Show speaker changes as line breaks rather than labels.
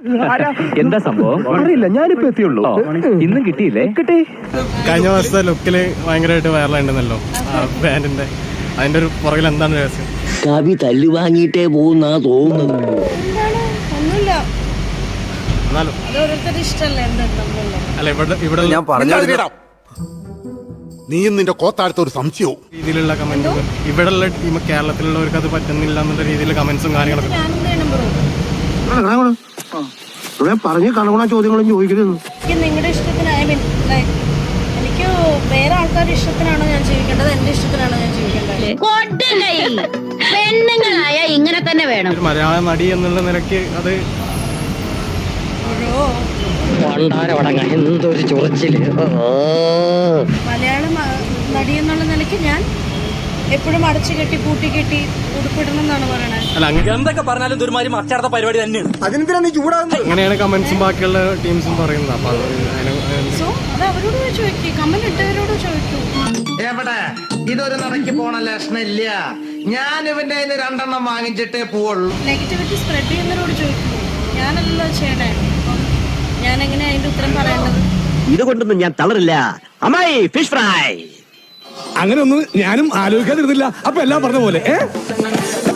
എന്താ സംഭവം
അറിയില്ല, ഞാനിപ്പോ എത്തിയുള്ളൂ.
ഇന്നും കിട്ടിയില്ലേ?
കിട്ടി.
കഴിഞ്ഞ വർഷത്തെ ലുക്കില് ഭയങ്കരമായിട്ട് വൈറലായിട്ടുണ്ടല്ലോ ബാൻഡിന്റെ. അതിന്റെ ഒരു പുറകിൽ എന്താണ് രഹസ്യം?
കവി തല്ലു വാങ്ങിയിട്ടേ പോകുന്നാ തോന്നുന്നത്.
എന്നാലും അല്ല ഇവിടെ
ഞാൻ പറഞ്ഞു നീയും നിന്റെ കോത്താഴത്ത ഒരു സംശയവും
രീതിയിലുള്ള കമന്റുകൾ ഇവിടെയുള്ള കേരളത്തിലുള്ളവർക്ക് അത് പറ്റുന്നില്ല എന്നുള്ള രീതിയിലുള്ള കമന്റ്സും കാര്യങ്ങളൊക്കെ
പറഞ്ഞ് കണകുണ ചോദ്യങ്ങളും ചോദിക്കരുത്.
നിങ്ങളുടെ ഇഷ്ടത്തിന് എനിക്ക് വേറെ ആൾക്കാരുടെ ഇഷ്ടത്തിനാണോ ഞാൻ ജീവിക്കേണ്ടത്, എന്റെ ഇഷ്ടത്തിനാണോ ഞാൻ ജീവിക്കേണ്ടത്?
പെണ്ണുങ്ങളായ ഇങ്ങനെ തന്നെ വേണം.
ഒരു മലയാള നടി എന്നുള്ള നിലയ്ക്ക് അത്
എന്തൊരു ചൊറിച്ചില്.
മലയാള നടി എന്നുള്ള നിലയ്ക്ക് ഞാൻ എപ്പോഴും അടച്ചു കെട്ടി കൂട്ടി കെട്ടി ഉടുപ്പിടണം എന്നാണ് പറയണത്.
അല്ല
എന്തൊക്കെ പറഞ്ഞാലും ദുരുമാരി മറ്റാർത്ത പരിപാടി തന്നെയാണ്.
അങ്ങനെയാണ് കമന്റ്സും ബാക്കിയുള്ള ടീംസും പറയുന്നത്. അപ്പൊ
സോ അത് അവരോട് ചോദിക്കൂ, കമന്റ് ഇട്ടവരോട് ചോദിക്കൂ.
എവിടെ ഇതൊരു നടക്ക് പോണ ലക്ഷണില്ല. ഞാൻ ഇവന്റെ രണ്ടെണ്ണം വാങ്ങിച്ചിട്ടേ പോവുള്ളൂ.
നെഗറ്റിവിറ്റി സ്പ്രെഡ് ചെയ്യുന്നവരോട് ചോദിക്കൂ. ഞാനല്ലോ ചെയ്യണേ. ഞാൻ എങ്ങനെയാ അതിന്റെ ഉത്തരം പറയേണ്ടത്?
ഇതുകൊണ്ടൊന്നും ഞാൻ തളരില്ല. അമ്മായി ഫിഷ് ഫ്രൈ.
അങ്ങനെ ഒന്നും ഞാനും ആലോചിക്കാതിരുന്നില്ല. അപ്പൊ എല്ലാം പറഞ്ഞ പോലെ